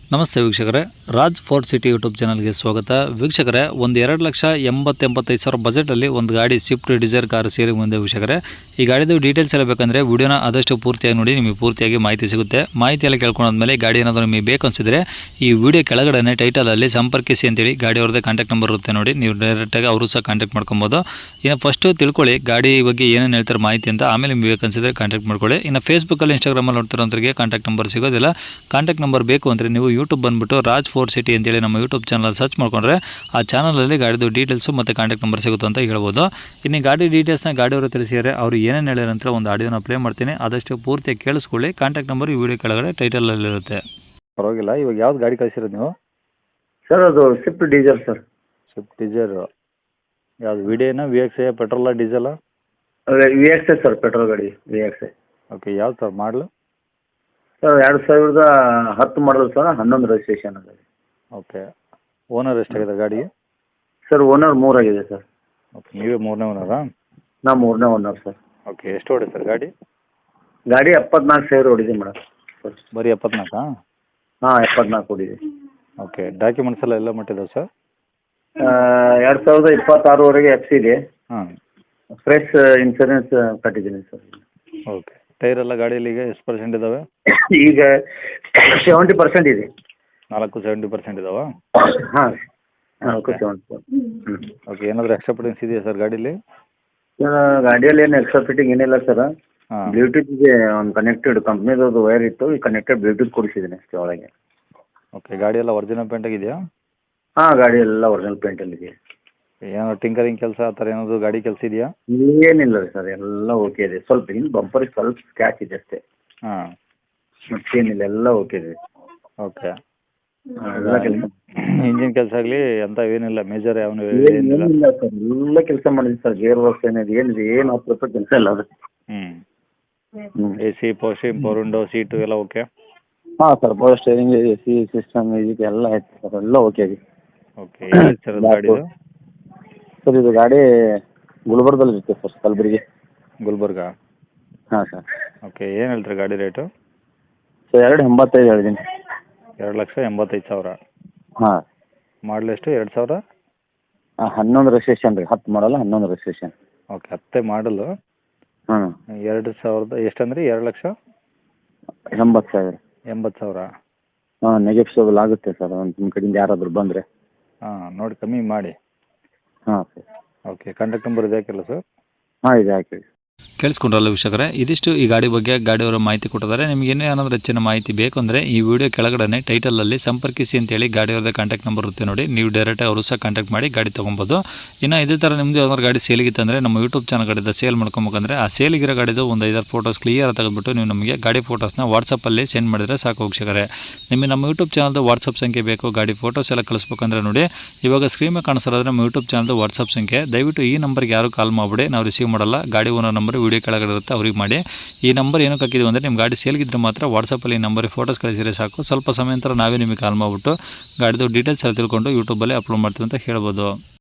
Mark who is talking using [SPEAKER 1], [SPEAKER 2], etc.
[SPEAKER 1] ನಮಸ್ತೆ ವೀಕ್ಷಕರೇ, Raj fort city YouTube ಚಾನಲ್ಗೆ ಸ್ವಾಗತ. ವೀಕ್ಷಕರೇ, ಒಂದು 2,80,85,000 ಬಜೆಟಲ್ಲಿ ಒಂದು ಗಾಡಿ ಸ್ವಿಫ್ಟ್ ಡಿಸೈರ್ ಕಾರು ಸೇರಿ ಮುಂದೆ. ವೀಕ್ಷಕರೇ, ಈ ಗಾಡಿದು ಡೀಟೇಲ್ಸ್ ಎಲ್ಲ ಬೇಕಂದರೆ ವಿಡಿಯೋನ ಆದಷ್ಟು ಪೂರ್ತಿಯಾಗಿ ನೋಡಿ, ನಿಮಗೆ ಪೂರ್ತಿಯಾಗಿ ಮಾಹಿತಿ ಸಿಗುತ್ತೆ. ಮಾಹಿತಿ ಎಲ್ಲ ಕೇಳ್ಕೊಂಡಾದ್ಮೇಲೆ ಗಾಡಿ ಏನಾದರೂ ನಿಮಗೆ ಬೇಕು ಅನಿಸಿದ್ರೆ ಈ ವಿಡಿಯೋ ಕೆಳಗಡೆ ಟೈಟಲಲ್ಲಿ ಸಂಪರ್ಕಿಸಿ ಅಂತೇಳಿ ಗಾಡಿ ಅವ್ರದ್ದೇ ಕಾಂಟ್ಯಾಕ್ಟ್ ನಂಬರ್ ಇರುತ್ತೆ ನೋಡಿ, ನೀವು ಡೈರೆಕ್ಟಾಗಿ ಅವರು ಸಹ ಕಾಂಟ್ಯಾಕ್ಟ್ ಮಾಡ್ಕೊಬೋದು. ಇನ್ನು ಫಸ್ಟು ತಿಳ್ಕೊಳ್ಳಿ ಗಾಡಿ ಬಗ್ಗೆ ಏನೇನು ಹೇಳ್ತಾರೆ ಮಾಹಿತಿ ಅಂತ, ಆಮೇಲೆ ನಿಮಗೆ ಬೇಕನ್ಸಿದ್ರೆ ಕಾಂಟ್ಯಾಕ್ಟ್ ಮಾಡ್ಕೊಳ್ಳಿ. ಇನ್ನು ಫೇಸ್ಬುಕ್ಕಲ್ಲಿ ಇನ್ಸ್ಟಾಗ್ರಾಮಲ್ಲಿ ನೋಡ್ತಿರೋಂಥವ್ರಿಗೆ ಕಾಂಟ್ಯಾಕ್ಟ್ ನಂಬರ್ ಸಿಗೋದಿಲ್ಲ. ಕಾಂಟ್ಯಾಕ್ಟ್ ನಂಬರ್ ಬೇಕು ಅಂದರೆ ನೀವು ಯೂಟ್ಯೂಬ್ ಬಂದುಬಿಟ್ಟು ರಾಜ್ ಫೋರ್ಟ್ ಸಿಟಿ ಅಂತೇಳಿ ನಮ್ಮ ಯೂಟ್ಯೂಬ್ ಚಾನಲ್ ಸರ್ಚ್ ಮಾಡ್ಕೊಂಡ್ರೆ ಆ ಚಾನಲಲ್ಲಿ ಗಾಡಿದು ಡೀಟೇಲ್ಸು ಮತ್ತು ಕಾಂಟ್ಯಾಕ್ಟ್ ನಂಬರ್ ಸಿಗುತ್ತೆ ಅಂತ ಹೇಳ್ಬೋದು. ಇನ್ನು ಗಾಡಿ ಡೀಟೇಲ್ಸ್ನ ಗಾಡಿಯವರು ತಿಳಿಸಿದರೆ ಅವರು ಏನೇನು ಹೇಳಿರ ನಂತರ ಒಂದು ಆಡಿಯೋನ ಪ್ಲೇ ಮಾಡ್ತೀನಿ, ಆದಷ್ಟು ಪೂರ್ತಿಯಾಗಿ ಕೇಳಿಸ್ಕೊಳ್ಳಿ. ಕಾಂಟ್ಯಾಕ್ಟ್ ನಂಬರ್ ಈ ವಿಡಿಯೋ ಕೆಳಗಡೆ ಟೈಟಲಲ್ಲಿರುತ್ತೆ.
[SPEAKER 2] ಪರವಾಗಿಲ್ಲ. ಇವಾಗ ಯಾವ್ದು ಗಾಡಿ ಕಳಿಸಿರೋದು ನೀವು?
[SPEAKER 3] ಸರ್ ಅದು Swift diesel sir.
[SPEAKER 2] Swift Dzire ಯಾವುದು ವಿಡಿಯೋನ ವಿ ಎಕ್ಸ್ ಎ ಪೆಟ್ರೋಲ ಡೀಸೆಲ?
[SPEAKER 3] V X I sir, petrol ಗಾಡಿ ವಿ ಎಕ್ಸ್ ಐ.
[SPEAKER 2] ಓಕೆ, ಯಾವ್ದು ಸರ್ ಮಾಡಲು?
[SPEAKER 3] ಸರ್ 2010 ಮಾಡಲ್ ಸರ್, 11 ರಿಜಿಸ್ಟ್ರೇಷನ್ ಅದ.
[SPEAKER 2] ಓಕೆ, ಓನರ್ ಎಷ್ಟಾಗಿದೆ ಗಾಡಿಗೆ?
[SPEAKER 3] ಸರ್ ಓನರ್ 3 ಆಗಿದೆ ಸರ್.
[SPEAKER 2] ಓಕೆ, ನೀವೇ ಮೂರನೇ ಓನರಾ?
[SPEAKER 3] ನಾ 3ನೇ ಓನರ್ ಸರ್.
[SPEAKER 2] ಓಕೆ, ಎಷ್ಟು ಓಡಿ ಸರ್ ಗಾಡಿ?
[SPEAKER 3] ಗಾಡಿ 74,000 ಹೊಡಿದೆ ಮೇಡಮ್ ಸರ್.
[SPEAKER 2] ಬರೀ 74?
[SPEAKER 3] ಹಾಂ, 74 ಹೊಡಿದೆ.
[SPEAKER 2] ಓಕೆ, ಡಾಕ್ಯುಮೆಂಟ್ಸ್ ಎಲ್ಲ ಮಟ್ಟಿದ್ದಾವೆ ಸರ್?
[SPEAKER 3] 2026ವರೆಗೆ ಎಫ್ ಸಿ ಇದೆ.
[SPEAKER 2] ಹಾಂ,
[SPEAKER 3] ಫ್ರೆಶ್ ಇನ್ಸೂರೆನ್ಸ್ ಕಟ್ಟಿದ್ದೀನಿ ಸರ್.
[SPEAKER 2] ಓಕೆ, ಟೈರ್ ಎಲ್ಲ ಗಾಡಿಯಲ್ಲಿ ಈಗ ಎಷ್ಟು ಪರ್ಸೆಂಟ್ ಇದ್ದಾವೆ?
[SPEAKER 3] ಈಗ 70% ಇದೆ.
[SPEAKER 2] 70% ಇದಾವಾ?
[SPEAKER 3] ಹಾಂ, 70%.
[SPEAKER 2] ಓಕೆ, ಏನಾದರೂ ಎಕ್ಸ್ಟ್ರಾ ಫಿಟ್ಟಿಂಗ್ಸ್ ಇದೆಯಾ ಸರ್ ಗಾಡೀಲಿ?
[SPEAKER 3] ಗಾಡಿಯಲ್ಲಿ ಏನು ಎಕ್ಸ್ಟ್ರಾ ಫಿಟ್ಟಿಂಗ್ ಏನಿಲ್ಲ ಸರ್.
[SPEAKER 2] ಹಾಂ,
[SPEAKER 3] ಬ್ಲೂಟೂತ್ ಇದೆ, ಒಂದು ಕನೆಕ್ಟೆಡ್ ಕಂಪ್ನಿದು ವೈರ್ ಇತ್ತು, ಈ ಕನೆಕ್ಟೆಡ್ ಬ್ಲೂಟೂತ್ ಕೊಡಿಸಿದ್ದೀನಿ ಅಷ್ಟೇ ಒಳಗೆ.
[SPEAKER 2] ಓಕೆ, ಗಾಡಿ ಎಲ್ಲ ಒರಿಜಿನಲ್ ಪೇಂಟ್ ಆಗಿದೆಯಾ?
[SPEAKER 3] ಹಾಂ, ಗಾಡಿ ಎಲ್ಲ ಒರಿಜಿನಲ್ ಪೇಂಟಲ್ಲಿ ಇದೆ.
[SPEAKER 2] ಏನಾದ್ರು ಟಿಂಕರಿಂಗ್ ಕೆಲಸ ಆ ಥರ ಏನಾದರೂ ಗಾಡಿ ಕೆಲಸ ಇದೆಯಾ?
[SPEAKER 3] ಏನಿಲ್ಲ ರೀ ಸರ್, ಎಲ್ಲ ಓಕೆ ಇದೆ. ಸ್ವಲ್ಪ ಹಿಂದೆ ಬಂಪರಿಗೆ ಸ್ವಲ್ಪ ಸ್ಕ್ಯಾಚ್ ಇದೆ ಅಷ್ಟೇ,
[SPEAKER 2] ಹಾಂ,
[SPEAKER 3] ಮತ್ತೇನಿಲ್ಲ, ಎಲ್ಲ ಓಕೆ ಇದೆ.
[SPEAKER 2] ಓಕೆ.
[SPEAKER 3] ಎಲ್ಲ ಕೆಲಸ
[SPEAKER 2] ಇಂಜಿನ್ ಕೆಲಸ ಆಗಲಿ ಅಂತ ಏನಿಲ್ಲ, ಮೇಜರ್ ಯಾವ ಏನಿಲ್ಲ?
[SPEAKER 3] ಏನಿಲ್ಲ ಸರ್, ಎಲ್ಲ ಕೆಲಸ ಮಾಡಿದ್ವಿ ಸರ್. ಗೇರ್ ವರ್ಕ್ಸ್ ಏನಿದೆ ಏನಿದೆ, ಏನು 10% ಕೆಲಸ ಇಲ್ಲ ಅದು.
[SPEAKER 2] A C, power window, seat ಎಲ್ಲ ಓಕೆ?
[SPEAKER 3] ಹಾಂ sir, power steering, A C system, ಇದಕ್ಕೆ ಎಲ್ಲ ಆಯ್ತು ಸರ್, ಎಲ್ಲ ಓಕೆ ಇದೆ.
[SPEAKER 2] ಓಕೆ, ಸರ್ ಗಾಡಿದು?
[SPEAKER 3] ಸರ್ ಇದು ಗಾಡಿ ಗುಲ್ಬರ್ಗದಲ್ಲಿ ಇರುತ್ತೆ ಸರ್, ಕಲಬುರಗಿ.
[SPEAKER 2] ಗುಲ್ಬರ್ಗ?
[SPEAKER 3] ಹಾಂ ಸರ್.
[SPEAKER 2] ಓಕೆ, ಏನು ಹೇಳ್ತೀರಿ ಗಾಡಿ ರೇಟು?
[SPEAKER 3] ಸರ್ 285 ಹೇಳಿದ್ದೀನಿ.
[SPEAKER 2] 2,85,000.
[SPEAKER 3] ಹಾಂ.
[SPEAKER 2] ಮಾಡಲ್ ಎಷ್ಟು? 2000?
[SPEAKER 3] 11 ರಿಜಿಸ್ಟ್ರೇಷನ್ ರೀ, 10 ಮಾಡಲ್ಲ, 11 ರಿಜಿಸ್ಟ್ರೇಷನ್.
[SPEAKER 2] ಓಕೆ, 10 ಮಾಡಲು.
[SPEAKER 3] ಹಾಂ.
[SPEAKER 2] 2000 ಎಷ್ಟಂದ್ರಿ?
[SPEAKER 3] 2,80,000.
[SPEAKER 2] 80,000?
[SPEAKER 3] ಹಾಂ, ನೆಗೆಟಿವ್ ಆಗುತ್ತೆ ಸರ್, ಒಂದು ನಿಮ್ಮ ಕಡೆಯಿಂದ ಯಾರಾದರೂ ಬಂದರೆ.
[SPEAKER 2] ಹಾಂ, ನೋಡಿ ಕಮ್ಮಿ ಮಾಡಿ.
[SPEAKER 3] ಹಾಂ ಸರ್.
[SPEAKER 2] ಓಕೆ, ಕಾಂಟ್ಯಾಕ್ಟ್ ನಂಬರ್ ಇದೆ ಹಾಕಿಲ್ಲ ಸರ್?
[SPEAKER 3] ಹಾಂ, ಇದೆ ಹಾಕಿ.
[SPEAKER 1] ಕೇಳಿಸ್ಕೊಂಡ್ರಲ್ಲ ವೀಕ್ಷಕರೇ, ಇದಿಷ್ಟು ಈ ಗಾಡಿ ಬಗ್ಗೆ ಗಾಡಿಯವರ ಮಾಹಿತಿ ಕೊಟ್ಟಿದ್ದಾರೆ. ನಿಮಗೆ ಏನಾದರೂ ಹೆಚ್ಚಿನ ಮಾಹಿತಿ ಬೇಕು ಅಂದರೆ ಈ ವಿಡಿಯೋ ಕೆಳಗಡೆ ಟೈಟಲಲ್ಲಿ ಸಂಪರ್ಕಿಸಿ ಅಂತೇಳಿ ಗಾಡಿಯವ್ರದ್ದೇ ಕಾಂಟ್ಯಾಕ್ಟ್ ನಂಬರ್ ಇರುತ್ತೆ ನೋಡಿ, ನೀವು ಡೈರೆಕ್ಟಾಗಿ ಅವರು ಸಹ ಕಾಂಟ್ಯಾಕ್ಟ್ ಮಾಡಿ ಗಾಡಿ ತೊಗೊಬೋದು. ಇನ್ನು ಇದೇ ಥರ ನಿಮ್ಮದು ಯಾವ್ದಾದ್ರು ಗಾಡಿ ಸೇಲಿಗಿತ್ತಂದರೆ ನಮ್ಮ ಯೂಟ್ಯೂಬ್ ಚಾನಲ್ ಕಡೆಯಿಂದ ಸೇಲ್ ಮಾಡ್ಕೊಬೇಕಂದ್ರೆ ಆ ಸೇಲಿಗಿರೋ ಗಾಡಿದು ಒಂದು 5-6 ಫೋಟೋಸ್ ಕ್ಲಿಯರ್ ತೆಗೆದುಬಿಟ್ಟು ನೀವು ನಮಗೆ ಗಾಡಿ ಫೋಟೋಸ್ನ ವಾಟ್ಸಪ್ಪಲ್ಲಿ ಸೆಂಡ್ ಮಾಡಿದರೆ ಸಾಕು ವೀಕ್ಷಕರೇ. ನಿಮಗೆ ನಮ್ಮ ಯೂಟ್ಯೂಬ್ ಚಾನಲ್ದು ವಾಟ್ಸಪ್ ಸಂಖ್ಯೆ ಬೇಕು, ಗಾಡಿ ಫೋಟೋಸ್ ಎಲ್ಲ ಕಳಿಸ್ಬೇಕಂದ್ರೆ ನೋಡಿ ಇವಾಗ ಸ್ಕ್ರೀನ್ ಮೇಲೆ ಕಾಣಿಸೋದ್ರೆ ನಮ್ಮ ಯೂಟ್ಯೂಬ್ ಚಾನಲ್ದು ವಾಟ್ಸಪ್ ಸಂಖ್ಯೆ. ದಯವಿಟ್ಟು ಈ ನಂಬರ್ಗೆ ಯಾರು ಕಾಲ್ ಮಾಡಿಬಿಡಿ, ನಾವು ರಿಸೀವ್ ಮಾಡಲ್ಲ. ಗಾಡಿ ಓನರ್ ನಂಬರ್ ವಿಡಿಯೋ ಕೆಳಗಡೆ ಇರುತ್ತೆ, ಅವ್ರಿಗೆ ಮಾಡಿ. ಈ ನಂಬರ್ ಏನಕ್ಕೆ ಹಾಕಿದ್ವಿ ಅಂದರೆ ನಿಮ್ಮ ಗಾಡಿ ಸೇಲ್ಗಿದ್ರೆ ಮಾತ್ರ ವಾಟ್ಸಪ್ಪಲ್ಲಿ ಈ ನಂಬರಿಗೆ ಫೋಟೋಸ್ ಕಳಿಸಿದ್ರೆ ಸಾಕು. ಸ್ವಲ್ಪ ಸಮಯ ನಂತರ ನಾವೇ ನಿಮಗೆ ಕಾಲ್ ಮಾಡಿಬಿಟ್ಟು ಗಾಡಿದು ಡೀಟೇಲ್ಸ್ ಎಲ್ಲ ತಿಳ್ಕೊಂಡು ಯೂಟ್ಯೂಬಲ್ಲಿ ಅಪ್ಲೋಡ್ ಮಾಡ್ತೀವಿ ಅಂತ ಹೇಳ್ಬೋದು.